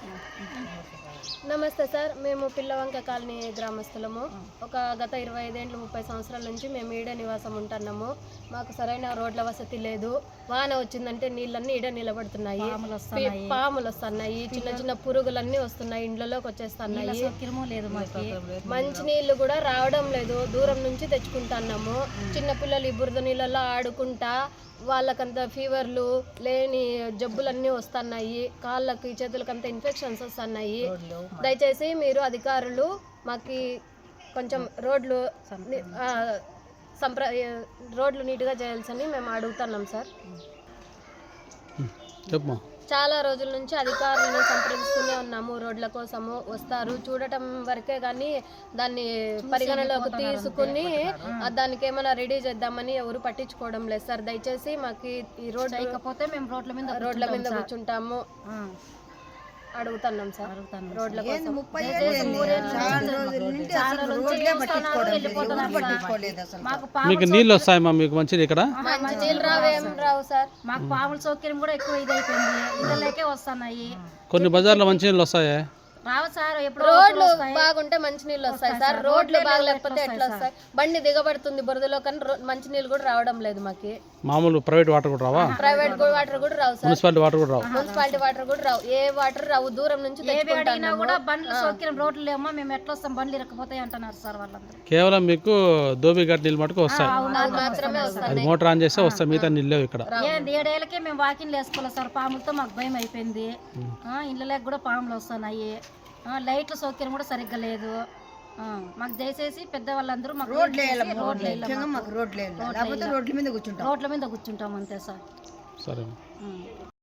నమస్తే సార్, మేము పిల్లవంక కాలనీ గ్రామస్తులము. గత 25 ఏళ్ళు 30 సంవత్సరాల నుంచి మేము ఈడే నివాసం ఉంటున్నాము. మాకు సరైన రోడ్ల వసతి లేదు. వాన వచ్చిందంటే నీళ్ళన్నీ ఈడ నిలబడుతున్నాయి, పాములు వస్తున్నాయి, చిన్న చిన్న పురుగులన్నీ వస్తున్నాయి, ఇండ్లలోకి వచ్చేస్తున్నాయి. మంచి నీళ్లు కూడా రావడం లేదు, దూరం నుంచి తెచ్చుకుంటున్నాము. చిన్నపిల్లలు ఈ బురద నీళ్ళలో ఆడుకుంటా వాళ్ళకంత ఫీవర్లు లేని జబ్బులన్నీ వస్తున్నాయి, కాళ్ళకి చేతులకంతా ఇన్ఫెక్షన్స్ వస్తున్నాయి. దయచేసి మీరు అధికారులు మాకు కొంచెం రోడ్లు నీట్గా చేయాల్సని మేము అడుగుతున్నాం సార్. చాలా రోజుల నుంచి అధికారులను సంప్రదిస్తూనే ఉన్నాము. రోడ్ల కోసము వస్తారు, చూడటం వరకే కానీ దాన్ని పరిగణలోకి తీసుకుని దానికి ఏమైనా రెడీ చేద్దామని ఎవరు పట్టించుకోవడం లేదు సార్. దయచేసి మాకు ఈ రోడ్ లేకపోతే మేము రోడ్ల మీద కూర్చుంటాము అడుగుతున్నాం సార్. రోడ్ల కోసం మీకు నీళ్ళు వస్తాయమ్మా? మీకు మంచిది ఇక్కడ మంచి నీళ్ళు రావు సార్. మాకు పాముల సౌకర్యం కూడా ఎక్కువ ఇదైపోయింది, ఇళ్ళకే వస్తున్నాయి. కొన్ని బజార్లో మంచి నీళ్ళు వస్తాయా? రావు సార్. రోడ్లు బాగుంటే మంచి నీళ్ళు వస్తాయి సార్, రోడ్లు బాగలేకపోతే ఎట్లా వస్తాయి? బండి దిగబడుతుంది బురదలో, కానీ మంచి నీళ్ళు కూడా రావడం లేదు మాకు. మామూలు ప్రైవేట్ వాటర్ కూడా రావా? ప్రైవేట్ వాటర్ కూడా రావు సార్, మున్సిపాలిటీ వాటర్ కూడా రావు. మున్సిపాలిటీ వాటర్ కూడా రావు, ఏ వాటర్ రావు. దూరం నుంచి తెచ్చుకుంటున్నా కూడా బండ్ల సౌకర్యం రోడ్లు లేమో, మేము ఎట్లా వస్తాం? బండ్లు ఇరకపోతాయి అంటున్నారు సార్ వాళ్ళందరూ. కేవలం మీకు దోబిఘాట్ నీళ్ళు మటుకు వస్తాయి, మాత్రమే వస్తాయి. అది మోటార్ ఆన్ చేస్తే వస్తాయి, మిగతా నీళ్ళు లేవు ఇక్కడ. 7 ఏళ్ళకే మేము వాకింగ్ వేసుకోవాలి సార్, పాములతో మాకు భయం అయిపోయింది. ఇళ్ళకి కూడా పాములు వస్తున్నాయి, లైట్ల సౌకర్యం కూడా సరిగ్గా లేదు. మాకు దయచేసి పెద్దవాళ్ళందరూ మాకు రోడ్ల మీద కూర్చుంటాం అంతే సార్. సరే.